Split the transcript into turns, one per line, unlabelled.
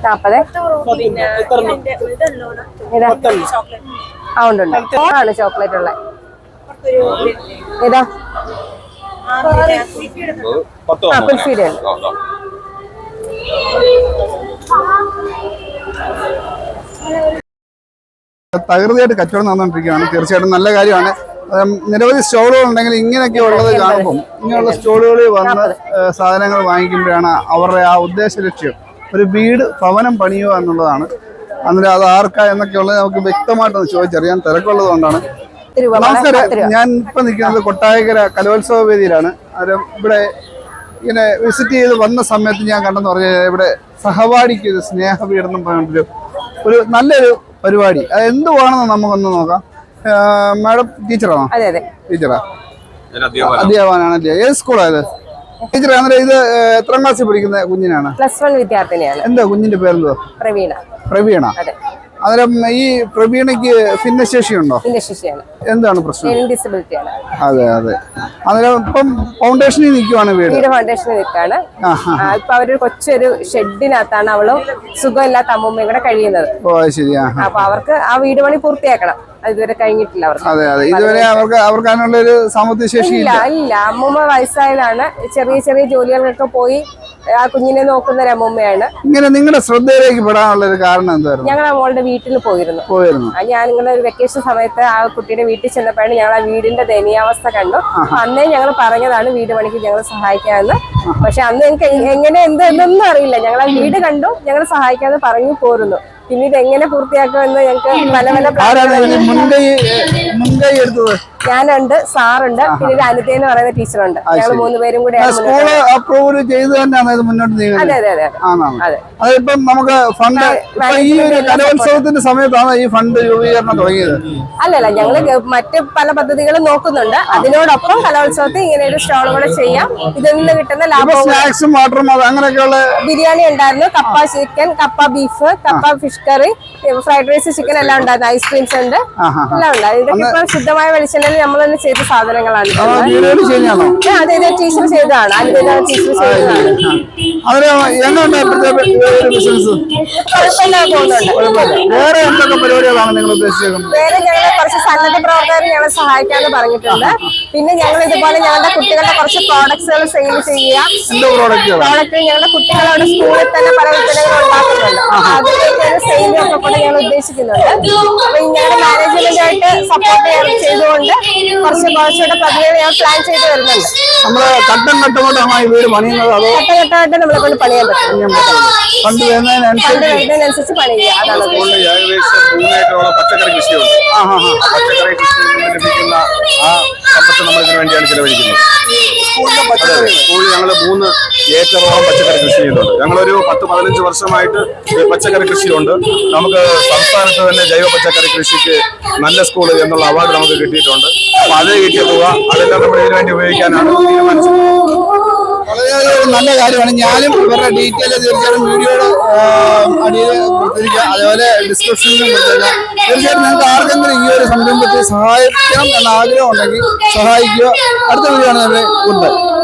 ആണ് ചോക്ലേറ്റ് ഉള്ളത്. ഏതാ കുൽഫിയുടെ
തകൃതിയായിട്ട് കച്ചവടം നടന്നുകൊണ്ടിരിക്കുകയാണ്. തീർച്ചയായിട്ടും നല്ല കാര്യമാണ്. നിരവധി സ്റ്റോളുകൾ ഉണ്ടെങ്കിൽ ഇങ്ങനെയൊക്കെ ഉള്ളത് കാണുമ്പം ഇങ്ങനെയുള്ള സ്റ്റോളുകളിൽ വന്ന് സാധനങ്ങൾ വാങ്ങിക്കുമ്പോഴാണ് അവരുടെ ആ ഉദ്ദേശ ലക്ഷ്യം ഒരു വീട് ഭവനം പണിയുക എന്നുള്ളതാണ്. അന്നേരം അത് ആർക്കാ എന്നൊക്കെയുള്ളത് നമുക്ക് വ്യക്തമായിട്ടൊന്ന് ചോദിച്ചറിയാൻ തിരക്കുള്ളത് കൊണ്ടാണ്. നമസ്കാരം, ഞാൻ ഇപ്പം നിൽക്കുന്നത് കൊട്ടാരക്കര കലോത്സവ വേദിയിലാണ്. അന്നേരം ഇവിടെ ഇങ്ങനെ വിസിറ്റ് ചെയ്ത് വന്ന സമയത്ത് ഞാൻ കണ്ടെന്ന് പറഞ്ഞാൽ ഇവിടെ സഹപാഠിക്ക് ഒരു സ്നേഹപീഠനം പറഞ്ഞിട്ടൊരു ഒരു നല്ലൊരു പരിപാടി. അത് എന്തുവാണെന്ന് നമുക്കൊന്ന് നോക്കാം. മാഡം ടീച്ചറാണോ? ടീച്ചറാ, അധ്യാപകനാണല്ലേ? ഏത് സ്കൂളാണ് ഇത്? ടീച്ചർ, അന്നേരം ഇത് എത്രാം ക്ലാസ്സിൽ പഠിക്കുന്ന കുഞ്ഞിനാണ്?
+1 വിദ്യാർത്ഥിനിയാണ്.
എന്താ കുഞ്ഞിന്റെ പേരെന്തോ?
പ്രവീണ.
പ്രവീണ. അന്നേരം ഈ പ്രവീണയ്ക്ക് ഭിന്നശേഷിയുണ്ടോ?
ഭിന്നശേഷിയാണ്.
എന്താണ് പ്രശ്നം?
ഡിസബിലിറ്റി ആണ്.
അതെ അതെ. അന്നേരം ഇപ്പം ഫൗണ്ടേഷനിൽ നിൽക്കുവാണ് വീട്
ഫൗണ്ടേഷനിൽ നിൽക്കാണ്. ഇപ്പൊ അവരൊരു കൊച്ചൊരു ഷെഡിനകത്താണ് അവളും സുഖമില്ലാത്ത അമ്മൂമ്മയും കൂടെ കഴിയുന്നത്.
ഓ ശരിയാ.
അപ്പൊ അവർക്ക് ആ വീട് പണി പൂർത്തിയാക്കണം. ഇതുവരെ കഴിഞ്ഞിട്ടില്ല അവർക്ക്.
അതെ അതെ. ഇതുവരെ അവർക്ക് അതിനുള്ള ഒരു സാമ്പത്തിക ശേഷി
ഇല്ല. അമ്മൂമ്മ വയസ്സായതാണ്. ചെറിയ ചെറിയ ജോലികൾക്കൊക്കെ പോയി ആ കുഞ്ഞിനെ നോക്കുന്ന ഒരു അമ്മൂമ്മയാണ്.
ഇങ്ങനെ നിങ്ങളുടെ ശ്രദ്ധയിലേക്ക് പെടാനുള്ള ഒരു കാരണം എന്തായിരുന്നു?
ഞങ്ങൾ മോളുടെ വീട്ടിൽ പോയിരുന്നു. ഞാൻ നിങ്ങളുടെ ഒരു വെക്കേഷൻ സമയത്ത് ആ കുട്ടിയുടെ വീട്ടിൽ ചെന്നപ്പോഴാണ് ഞങ്ങൾ ആ വീടിന്റെ ദയനീയാവസ്ഥ കണ്ടു. അന്നേ ഞങ്ങൾ പറഞ്ഞതാണ് വീട് പണിക്ക് ഞങ്ങൾ സഹായിക്കാമെന്ന്. പക്ഷെ അന്ന് ഞങ്ങൾക്ക് എങ്ങനെ എന്തൊന്നും അറിയില്ല. ഞങ്ങൾ ആ വീട് കണ്ടു, ഞങ്ങൾ സഹായിക്കാമെന്ന് പറഞ്ഞു പോരുന്നു. പിന്നീട് എങ്ങനെ പൂർത്തിയാക്കുമെന്ന് ഞങ്ങൾക്ക് പല ഞാനുണ്ട്, സാറുണ്ട്, പിന്നെ അനിത എന്ന് പറയുന്ന ടീച്ചറുണ്ട്. ഞങ്ങൾ 3 പേരും കൂടെ.
അതെ
അതെ അതെ
അതെ. അതിപ്പം നമുക്ക് ഫണ്ട് ഈ കലോത്സവത്തിന്റെ സമയത്താണ് ഈ ഫണ്ട് രൂപീകരണം തുടങ്ങിയത്?
അല്ലല്ല, ഞങ്ങള് മറ്റ് പല പദ്ധതികളും നോക്കുന്നുണ്ട്. അതിനോടൊപ്പം കലോത്സവത്തിൽ ഇങ്ങനെ ഒരു സ്റ്റോൾ കൂടെ ചെയ്യാം. ഇതിൽ നിന്ന് കിട്ടുന്ന ലാഭം
സ്നാക്സും വാട്ടറും അങ്ങനെയൊക്കെയുള്ള
ബിരിയാണി ഉണ്ടായിരുന്നു, കപ്പ ചിക്കൻ, കപ്പ ബീഫ്, കപ്പ fish curry, fried rice, chicken എല്ലാം ഉണ്ടായിരുന്നു. ഐസ്ക്രീംസ് ഉണ്ട്, എല്ലാം ഉണ്ടായിരുന്നു. ഇതൊക്കെ ഇപ്പൊ ശുദ്ധമായ വെളിച്ചെണ്ണയിൽ നമ്മൾ തന്നെ ചെയ്ത സാധനങ്ങളാണ്. അതെ, ടീച്ചർ ചെയ്തതാണ്. അതിന്റെ ടീച്ചർ ചെയ്തതാണ്.
വേറെ എന്തൊക്കെ പരിപാടികളാണ് നിങ്ങൾ ഉദ്ദേശിക്കുന്നത്?
വേറെ ഞങ്ങൾ കുറച്ച് സന്നദ്ധ പ്രവർത്തകർ ഞങ്ങളെ സഹായിക്കാന്ന് പറഞ്ഞിട്ടുണ്ട്. പിന്നെ ഞങ്ങൾ ഇതുപോലെ ഞങ്ങളുടെ കുട്ടികളുടെ കുറച്ച് പ്രോഡക്ട്സുകൾ സെയിൽ ചെയ്യുക. പ്രോഡക്റ്റ് ഞങ്ങളുടെ കുട്ടികളോട് സ്കൂളിൽ തന്നെ പല ഉൽപ്പന്നങ്ങൾ ഉണ്ടാക്കുന്നുണ്ട്. അതിലേക്ക് ഒരു സെയിലും ഒക്കെ കൂടെ ഞങ്ങൾ ഉദ്ദേശിക്കുന്നുണ്ട്. അപ്പൊ ഞങ്ങളുടെ മാനേജ്മെന്റായിട്ട് സപ്പോർട്ട് ചെയ്തുകൊണ്ട് കുറച്ചുകൂടെ പദ്ധതികൾ ഞങ്ങൾ പ്ലാൻ ചെയ്ത് വരുന്നുണ്ട്.
നമ്മള് ഘട്ടം ഘട്ടമായിട്ടാണ് ഈ വീട് പണിയുന്നത്? അതോ
ഘട്ടഘട്ടമായിട്ട് നമ്മളെ കൊണ്ട് പണിയാൻ പറ്റും.
ഫണ്ട്
വരുന്നതിനനുസരിച്ച് പണി ചെയ്യുക. അതാണ്
പച്ചക്കറി കൃഷിയുണ്ട്. പച്ചക്കറി കൃഷിയിൽ നിന്ന് ലഭിക്കുന്ന ആ സമ്പത്ത് നമ്മൾ ഇതിനു വേണ്ടിയാണ് ചെലവഴിക്കുന്നത്. സ്കൂളിൽ ഞങ്ങൾ 3 ഏക്കറോളം പച്ചക്കറി കൃഷി ചെയ്യുന്നുണ്ട്. ഞങ്ങളൊരു 10-15 വർഷമായിട്ട് പച്ചക്കറി കൃഷിയുണ്ട്. നമുക്ക് സംസ്ഥാനത്ത് തന്നെ ജൈവ പച്ചക്കറി കൃഷിക്ക് നല്ല സ്കൂൾ എന്നുള്ള അവാർഡ് നമുക്ക് കിട്ടിയിട്ടുണ്ട്. അപ്പൊ അത് കിട്ടിയ തുക അതെല്ലാം നമ്മൾ ഇതിനു വേണ്ടി ഉപയോഗിക്കാനാണ് തീരുമാനിച്ചത്.
വളരെയധികം നല്ല കാര്യമാണ്. ഞാനും ഇവരുടെ ഡീറ്റെയിൽ തീർച്ചയായിട്ടും വീഡിയോയുടെ അടിയിൽ കൊടുത്തിരിക്കുക, അതേപോലെ ഡിസ്ക്രിപ്ഷനിലും കൊടുത്തിരിക്കുക. തീർച്ചയായിട്ടും നിങ്ങൾക്ക് ആർക്കെങ്കിലും ഈ ഒരു സംരംഭത്തെ സഹായിക്കണം എന്ന ആഗ്രഹം ഉണ്ടെങ്കിൽ സഹായിക്കുക. അടുത്ത വീഡിയോ ആണ് നമ്മുടെ ഗുഡ് ബൈ.